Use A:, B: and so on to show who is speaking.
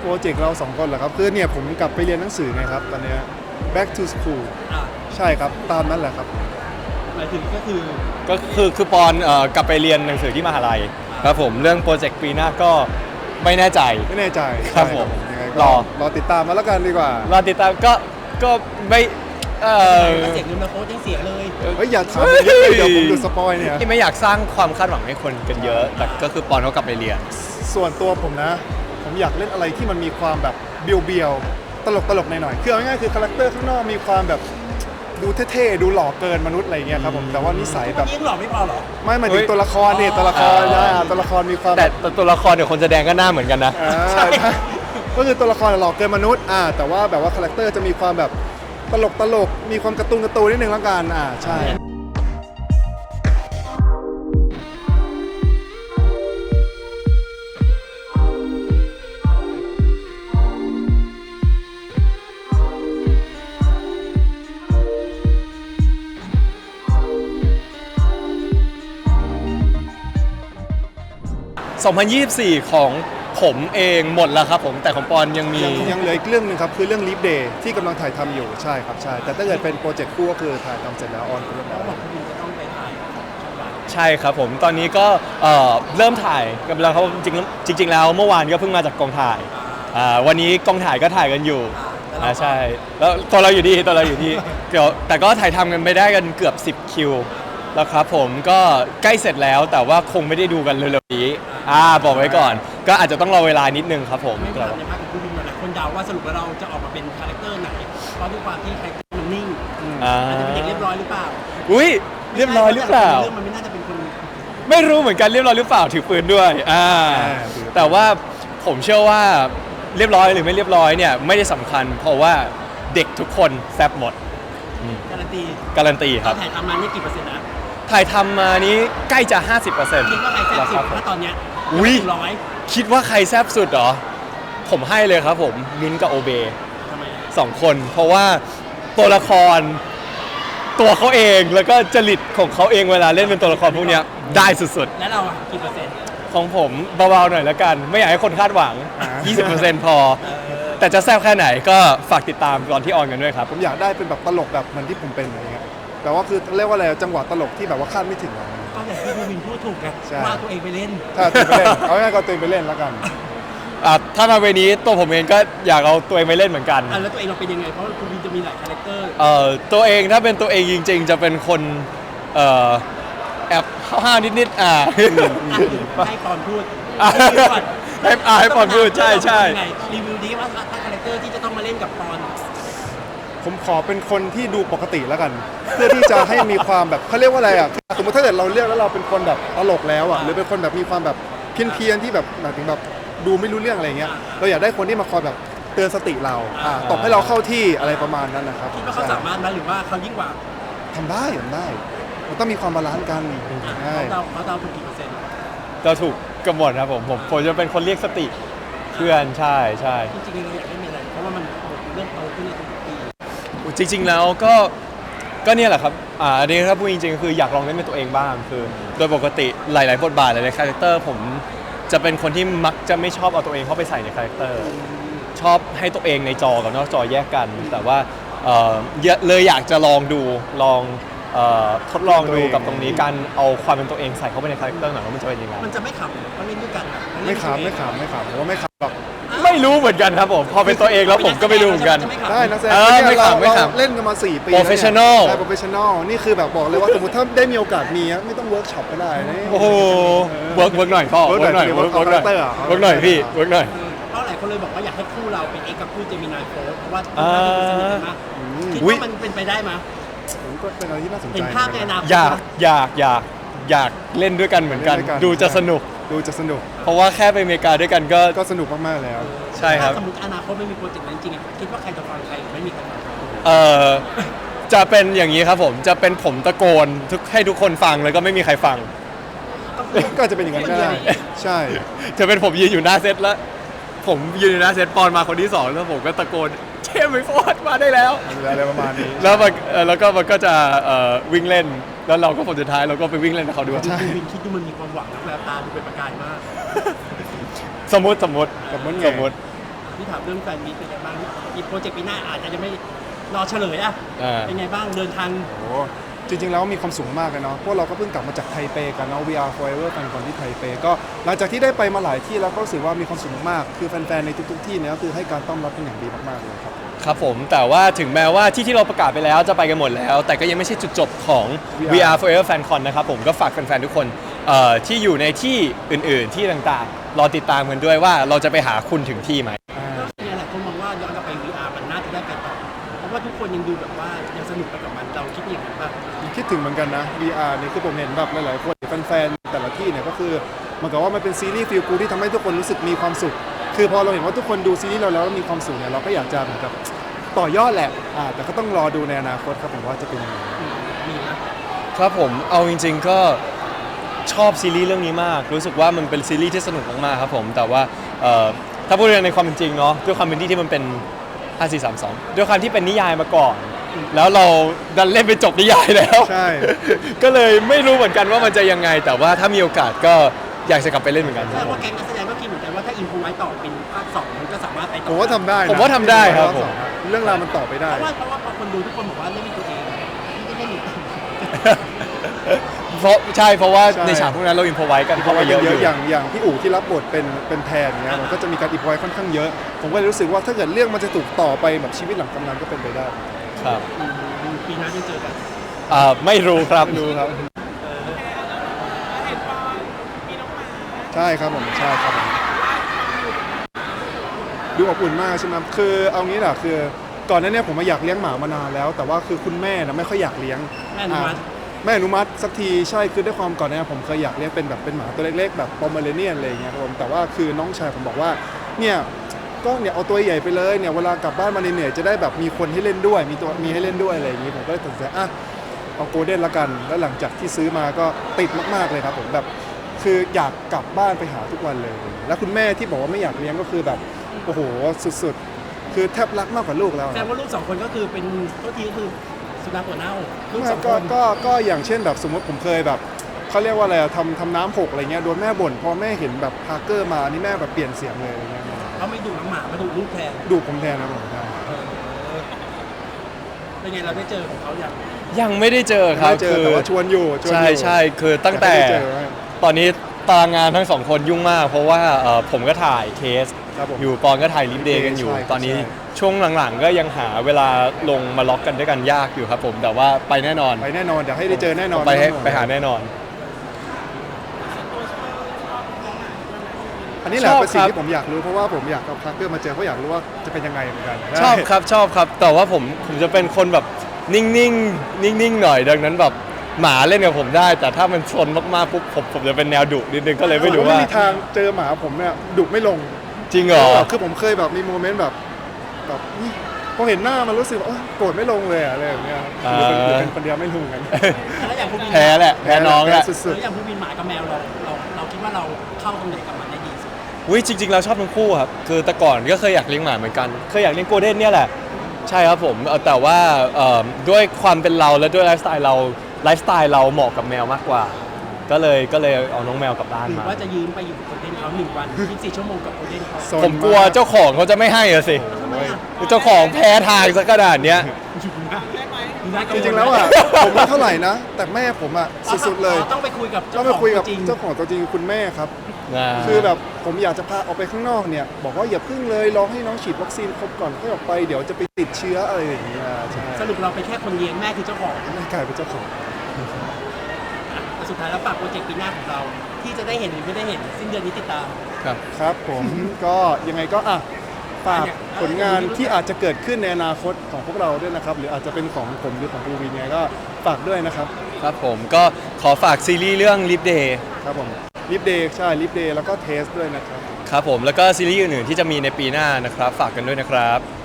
A: รเจกต์เรา2 คนเหรอครับคือเนี่ยผมกลับไปเรียนหนังสือไงครับตอนเนี้ย back to school
B: อ่ะ
A: ใช่ครับตามนั้นแหละครับ
B: หมายถึงก็คือ
C: คือปอนกลับไปเรียนหนังสือที่มหาลัยครับผมเรื่องโปรเจกต์ปีหน้าก็ไม่แน่ใจ
A: ไม่แน่ใจ
C: ครับผม
A: ยังไง
C: ร
A: ก็
C: อ
A: รอติดตามมาแล้วกันดีกว่า
C: รอติดตามก็ไม่
B: เสียงเงินมาโค้ชยังเสียเลย
A: เฮ้ยอย่าถามเยอะเลยเดี๋ยวผมดูสปอยเนี่ย
C: ที่ไม่อยากสร้างความคาดหวังให้คนกันเยอะ แต่ก็คือปอนเขากลับไปเรียน
A: ส่วนตัวผมนะ ผมอยากเล่นอะไรที่มันมีความแบบเบียวๆตลกๆหน่อยๆคือเอาง่ายๆคือคาแรคเตอร์ข้างนอกมีความแบบดูเท่ๆดูหล่อเกินมนุษย์อะไรเงี้ยครับผมแต่ว่านิสัยแบ
B: วัน
A: บ
B: นี้ยังหล่อไม่พอเหรอ
A: ไม่หมายถึง
C: เฮ้ย
A: ตัวละครเนี่ยตัวละครนะตัวละครมีความ
C: แต่ตัวละครเดี๋ยวคนแสดงก็หน้าเหมือนกันนะ
A: ใช่ก็คือตัวละครหล่อเกินมนุษย์แต่ว่าแบบว่าคาแรคเตอร์จะมีความแบบตลกมีความการ์ตูนนิดนึงแล้วกันใช่
C: 2024 ของผมเองหมดแล้วครับผมแต่ของปอนยังมี
A: ยังเหลืออีกเรื่องหนึงครับคือเรื่อง Leap Day ที่กำลังถ่ายทำอยู่ใช่ครับใช่แต่ถ้าเกิดเป็นโปรเจกต์คู่ก็คือถ่ายทำเสร็จแล้วออนเรียบร้อย
B: บอกคุณจะต้องไปถ่ายช่องวัน
C: ใช่ครับผมตอนนี้ก็เริ่มถ่ายกันแล้วครับจริงแล้วเมื่อวานก็เพิ่งมาจากกองถ่ายวันนี้กองถ่ายก็ถ่ายกันอยู่ใช่แล้วตัวเราอยู่ที่เดี๋ยวแต่ก็ถ่ายทำกันไปได้กันเกือบ10คิวแล้วครับผมก็ใกล้เสร็จแล้วแต่ว่าคงไม่ได้ดูกันเร็วๆนี้บอกไว้ก่อน ก็อาจจะต้องรอเวลานิดนึงครับผม
B: ไม่ผ่านในภาคของคุณบินมาหลายคนเดาว่าสรุปแล้วเราจะออกมาเป็นคาแรคเตอร์ไหนเพราะด้วยความที่คาแรคเตอร์มันนิ่งอาจจะเป็นเด็กเรียบร้อยหรือเปล่า
C: อุ้ยเรียบร้อยหรือเปล่า
B: เรื่องมันไม่น่าจะเป็นคน
C: ไม่รู้เหมือนกันเรียบร้อยหรือเปล่าถือปืนด้วยแต่ว่าผมเชื่อว่าเรียบร้อยหรือไม่เรียบร้อยเนี่ยไม่ได้สำคัญ เพราะว่าเด็กทุกคนแซ่บหมด
B: การันตี
C: การันตีครับ
B: ถ่ายทำมานี่กี่เปอร์เซ็นต์นะ
C: ถ่ายทำมานี้ใกล้จะ 50%
B: คิดว่าใครแซ่บสุดถ้าตอนเนี้ย
C: อุ๊ย
B: ร้อย
C: คิดว่าใครแซ่บสุดเหรอผมให้เลยครับผมมิ้นท์กับโอเบ
B: ทำไม
C: 2 คนเพราะว่าตัวละครตัวเขาเองแล้วก็จริตของเขาเองเวลาเล่นเป็นตัวละครพวกเนี้ยได้สุดๆ
B: แล้วเราอะกี่เปอร์เซ็นต์
C: ของผมเบาๆหน่อยแล้วกัน ไม่อยากให้คนคาดหวัง 20% พอ แต่จะแซ่บแค่ไหนก็ฝากติดตามตอนที่ออนกันด้วยครับ
A: ผมอยากได้เป็นแบบตลกแบบเหมือนที่ผมเป็นอะไรเงี้ยแต่ว่าคือเรียกว่าอะไรจังหวะตลกที่แบบว่าคาดไม่ถึงอะ
B: ก็อย่างที่คุณบินพูดถูกไง
A: ใช่
B: ว่าตัวเองไปเล่น
A: ถ้าตัวเองไปเล่นเอาง่ายๆก็ตัวเองไปเล่นแล้วกัน
C: ถ้ามาเวนี้ตัวผมเองก็อยากเอาตัวเองไปเล่นเหมือนกัน
B: แล้วตัวเองเราเป็นยังไงเพราะคุณบินจะมีหลายคาแรคเตอร์
C: ตัวเองถ้าเป็นตัวเองจริงๆ จะเป็นคนแอบห้าวๆนิดๆ
B: ให้ปอนพูด
C: ให้ปอนพูดใช่
B: รีวิวดีว่าถ้าคาแรคเตอร์ที่จะต้องมาเล่นกับปอน
A: ผมขอเป็นคนที่ดูปกติแล้วกัน เพื่อที่จะให้มีความแบบเขาเรียกว่าอะไรสมมติถ้าเกิดเราเลือกแล้วเราเป็นคนแบบตลกแล้วหรือเป็นคนแบบมีความแบบเพี้ยนๆที่แบบหมายถึงแบบดูไม่รู้เรื่องอะไรเงี้ยเราอยากได้คนที่มาคอยแบบเตือนสติเราตบให้เราเข้าที่อะไรประมาณนั้นนะครับ
B: คิดว่าเขาสามารถไหมหรือว่าเขายิ่งกว่า
A: ทำได้มันต้องมีความบาลานซ์กันใช่
B: เขาเดาถูกกี่เปอร์เซ็นต์
C: เราถูกกำหนดครับผมจะเป็นคนเรียกสติเพื่อนใช่
B: จริงๆเราอยากให้มีอะไรเพราะว่ามันเริ่มโตขึ้นในทุกปี
C: จริงๆแล้วก็เนี่ยแหละครับอันนี้ถ้าพูดจริงๆคืออยากลองเล่นเป็นตัวเองบ้างคือโดยปกติหลายๆบทบาทหลายๆคาแรคเตอร์ผมจะเป็นคนที่มักจะไม่ชอบเอาตัวเองเข้าไปใส่ในคาแรคเตอร์ชอบให้ตัวเองในจอกับนอกจอแยกกัน แต่ว่าเลยอยากจะลองทดลองดูกับตรงนี้การเอาความเป็นตัวเองใส่เข้าไปในคาแรคเตอร์หน่อยว่ามันจะเป็นยังไง
B: มันจะไม่ขำเพราะเล่นด้วยกันอะ
A: ไม่ขำผมว่าไม่ขำหรอก
C: ไม่รู้เหมือนกันครับผมพอเป็นตัวเองแล้วผมก็ไม่รู้เหมือนกัน
A: ได้นักแสดง
C: ไม่ขำ
A: เราเล่นกันมา4 ปี
C: Professional
A: ใช่ professional นี่คือแบบบอกเลยว่าสมมติถ้าได้มีโอกาสมีไม่ต้องเวิร์กช็อปก็ได้นะ
C: โอ้โหเวิร์กหน่อยพ่อเวิร์กหน่อยพี่เวิร์กหน่อย
B: เพราะหลายคนเลยบอกว่าอยากให้คู่เราเป็นเอกกับคู่เจมินายโฟร์เพราะว่าคู่เราสนิทกันมากคิดว่ามันเป็นไปได้ไหม
A: ผมก็เป็นอะไรที่น่าสนใจ
B: เห็นภาพในอนาคต
C: อยากเล่นด้วยกันเหมือนกัน ดูจะสนุก เพราะว่าแค่ไปอเมริกาด้วยกันก็
A: ก็สนุกมากๆแล้ว
C: ใช่ครับ
B: ถ้าสมมติอนาคตไม่มีโปรเจกต์นั้นจริงๆคิดว่าใครจะฟังใครไม่มีใครฟัง
C: จะเป็นอย่างนี้ครับผมจะเป็นผมตะโกนให้ทุกคนฟังแล้วก็ไม่มีใครฟัง
A: ก็จะเป็นอย่างนั้นก็ได้ใช่
C: จะเป็นผมยืนอยู่หน้าเซตแล้วผมยืนอยู่หน้าเซตปอนมาคนที่2แล้วผมก็ตะโกนเชมไปโฟร์มาได้แล้ว
A: อะไรประมาณนี้
C: แล้วก็มันก็จะวิ่งเล่นแล้วเราก็ผลสุดท้ายเราก็ไปวิ่งเล่นกับเขาด้วย
A: ใช่
B: วินคิดดูมันมีความหวังนะแววตาดูเป็นประกายมาก
C: สมมติ
A: กับมันไง
B: ที่ถามเรื่องแฟนมีตเป็นไงบ้างอีโปรเจกต์ปีหน้าอาจจะยังไม่รอเฉลยอะ เป็นไงบ้างเดินทาง
A: โอ้จริงๆแล้วมีความสูงมากเลยเนาะพวกเราก็เพิ่งกลับมาจากไทเปกันเนาะ VR Forever แฟนคอนที่ไทเปก็หลังจากที่ได้ไปมาหลายที่แล้วก็รู้สึกว่ามีความสุขมากๆคือแฟนๆในทุกๆที่เนี่ยก็คือให้การต้อนรับเป็นอย่างดีมากๆเลยครับ
C: ครับผมแต่ว่าถึงแม้ว่าที่เราประกาศไปแล้วจะไปกันหมดแล้ว แต่ก็ยังไม่ใช่จุดจบของ VR Forever FanCon นะครับผมก็ฝากแฟนๆทุกคนที่อยู่ในที่อื่นๆที่ต่างๆรอติดตามกันด้วยว่าเราจะไปหาคุณถึงที่ไหม
B: ก็เนี่ยแหละคนมองว่าย้อนกลับไป VR มันน่าจะได้ไปต่อเพราะว่าทุกคนยังดูแบบว่ายังสนุกไปกับมันเราคิดอย่างนั้นป่ะ
A: คิดถึงเหมือนกันนะ VR นี่คือผมเห็นแบบหลายๆคนแฟนๆแต่ละที่เนี่ยก็คือเหมือนกับว่ามันเป็นซีรีส์ฟีลกูที่ทำให้ทุกคนรู้สึกมีความสุข คือพอเราเห็นว่าทุกคนดูซีรีส์เราแล้วมีความสุขเนี่ยเราก็อยากจะเหมือนกับต่อยอดแหละแต่ก็ต้องรอดูในอนาคตครับผมว่าจะเป็นยังไง
B: มีนะ
C: ครับผมเอาจริงๆก็ชอบซีรีส์เรื่องนี้มาก รู้สึกว่ามันเป็นซีรีส์ที่สนุกมากๆครับผมแต่ว่าถ้าพูดในความเป็นจริงเนาะด้วยความเป็นที่มันเป็น 5432 ด้วยความที่เป็นนิยายมาก่อน แล้วเราดันเล่นไปจบนิยายแล้ว
A: ใช่
C: ก็เลยไม่รู้เหมือนกันว่ามันจะยังไง แต่ว่าถ้ามีโอกาสก็อยากจะกลับไปเล่นเหมือนกัน
B: แสดงว่าแก๊งนักแสดงก็คิดเหมือนกันว่าถ้าอินพูไว้ต่อเป็นภาค2มันก็สามารถไปต่อ
A: ผมว่าทำได้นะ
C: ผมว่าทำได้ครับผม
A: เรื่องราวมันต่อไปได้
B: เพราะว่าพอคนดูทุกคนบอกว่าเล่นเป็นตัวเองไม่ได้เล่นอยู่
C: เพราะว่า
A: ใช่
C: ในฉากพวกนั้นเราอินพอไว้กัน
A: เพราะ
C: เข้าไป
A: ว่า
C: เยอะ
A: เย
C: อ
A: อะ
C: ยู่
A: อย่างพี่อู๋ที่รับบทเป็นแทนเนี่ยมันก็จะมีการอีพอยค่อนข้างเยอะ ผมก็เลยรู้สึกว่าถ้าเกิดเรื่องมันจะถูกต่อไปแบบชีวิตหลังกำนันก็เป็นไปได้
C: ครับ
B: ปีหน้าจะเจอกัน
C: ไม่รู้ครับ
A: ดูครับใช่ครับผมใช่ครับผมดูอบอุ่นมากใช่ไหมคือเอางี้แหละคือก่อนหน้านี้ผมมาอยากเลี้ยงหมามานานแล้ว แต่ว่าคือคุณแม่นะไม่ค่อยอยากเลี้ยง
B: แม่อนุมัติ
A: แม่อนุมัติสักทีใช่คือด้วยความก่อนหน้านี้ผมเคยอยากเลี้ยงเป็นแบบเป็นหมาตัวเล็กๆแบบปอมเมอเรเนียนอะไรอย่างเงี้ยครับผมแต่ว่าคือน้องชายผมบอกว่าเนี่ยก็เนี่ยเอาตัวใหญ่ไปเลยเนี่ยเวลากลับบ้านมาเหนื่อยๆจะได้แบบมีคนให้เล่นด้วยมีให้เล่นด้วยอะไรอย่างงี้ผมก็เลยตัดสินใจเอาโกลเด้นละกันแล้วหลังจากที่ซื้อมาก็ติดมากๆเลยครับผมแบบคืออยากกลับบ้านไปหาทุกวันเลย แล้วคุณแม่ที่บอกว่าไม่อยากเลี้ยงก็คือแบบโอ้โหสุดๆคือแทบรักมากกว่าลูกแล้ว
B: แสดงว่าลูก2คนก็คือเป็นตัวทีก็คือสุนัขหัวเน่าลูก
A: ไม่
B: 2 ค
A: ก็
B: น
A: ก็อย่างเช่นแบบสมมติผมเคยแบบเขาเรียกว่าอะไรอะทำน้ำหกอะไรเงี้ยโดนแม่บ่นพอแม่เห็นแบบพาร์เกอร์มานี่แม่แบบเปลี่ยนเสียงเลยอะไรเงี้ย
B: เขาไม่ดุน้องหมามาดุลูกแทน
A: ดูผมแทนนะผมใช่
B: เป็นไงเราได้เจอของเขาอย่าง
C: ยังไม่ได้เจอครับ
A: ไม่เจอแต่ว่าชวนอยู่
C: ใช่คือตั้งแต่
A: ไม่ได้เจอ
C: ตอนนี้ตารางงานทั้งสองคนยุ่งมาก เพราะว่าผมก็ถ่ายเคส
A: ครับผม
C: อยู่ปอนก็ถ่ายลิฟเดย์กันอยู่
A: ใช่ครับ
C: ตอนนี้
A: ใช่
C: ช่วงหลังๆ ก็ยังหาเวลาลงมาล็อกกันด้วยกันยากอยู่ครับผมแต่ว่าไปแน่นอน
A: ไปแน่นอนเดี๋ยวให้ได้เจอแน่นอน
C: ไปหาแน่นอน
A: อันนี้แหละ
C: ชอบ
A: เป็นสิ่ง
C: ครับ
A: ที่ผมอยากรู้เพราะว่าผมอยากเอาพาร์เกอร์มาเจอเพราะอยากรู้ว่าจะเป็นยังไงเหมือนกัน
C: ชอบครับแต่ว่าผมจะเป็นคนแบบนิ่งๆหน่อยดังนั้นแบบหมาเล่นกับผมได้ แต่ถ้ามันชนมากๆปุ๊บผมจะเป็นแนวดุนิดนึงก็เลยไม่รู้ว่า
A: ไม่มีทางเจอหมาผมเนี่ยดุไม่ลง
C: จริงเหรอ
A: คือผมเคยแบบมีโมเมนต์แบบนี่พอเห็นหน้ามันรู้สึกว่าโกรธไม่ลงเลยอะไรแบบเนี้ยหรือเป็นคนเดียวไม่รู้เหมือนกัน
B: แล้วอย่างภูมิน
C: แพ้แหละแพ้น้องแหละ
A: สุ
B: แล้
A: ด
B: วอย่างภูมินหมากับแมวเราคิดว่าเราเข้าตรงไหนกับมันได้ดีสุด
C: วิจริงๆเราชอบทั้งคู่ครับคือแต่ก่อนก็เคยอยากเลี้ยงหมาเหมือนกันเคยอยากเลี้ยงโกลเด้นเนี่ยแหละใช่ครับผมแต่ว่าด้วยความเป็นเราและด้วยไลฟ์สไตล์เราเหมาะกับแมวมากกว่า ก็เลยเอาน้องแมวกลับบ้าน
B: หรือ
C: มา
B: ว่าจะยืมไปอยู่กับโคเด้นเขา1 วัน24 ชั่วโมงกับโคเด้นเขา
A: ๆ
C: ผมกลัวเจ้าของเขาจะไม่ให้อะสิ
B: ทำไมอ่ะ
C: เจ้าของแพ้ทางซะขนาดเนี้ย
A: จริงๆแล้วอ่ะผมไม่เท่าไหร่นะ แต่แม่ผมอ่ะสุดๆเลย
B: ต้องไปคุยกับ
A: ต้
B: เจ้า
A: อง
B: ข
A: ไป
B: อง
A: คุยกับ
B: จริง
A: เจ้าของตัวจริงคือคุณแม่ครับ
C: นะ
A: คือแบบผมอยากจะพาออกไปข้างนอกเนี่ยบอกว่าอย่าพึ่งเลยรอให้น้องฉีดวัคซีนครบก่อนค่อยออกไปเดี๋ยวจะไปติดเชื้ออะไรอย่างเงี้ยใช่
B: สรุปเราเป็นแค่คนเลี้ยงแม่คือเจ้าของ
A: แม่กลายเป็นเจ้าของ
B: แต่สุดท้ายแล้วฝากโปรเจกต์ปีหน้าของเรา ที่จะได้เห็นหรือไม่ได้เห็นสิ้นเดือนนี้ติดตาม
C: ครับ
A: ครับผมก็ยังไงก็ฝากผลงานที่อาจจะเกิดขึ้นในอนาคตของพวกเราด้วยนะครับหรืออาจจะเป็นของผมหรือของภูวินเนี่ยก็ฝากด้วยนะครับ
C: ครับผมก็ขอฝากซีรีส์เรื่อง Live Day
A: ครับผมลิฟเดย์ใช่ลิฟเดย์แล้วก็เทสด้วยนะครับ
C: ครับผมแล้วก็ซีรีส์อื่นๆที่จะมีในปีหน้านะครับฝากกันด้วยนะครับ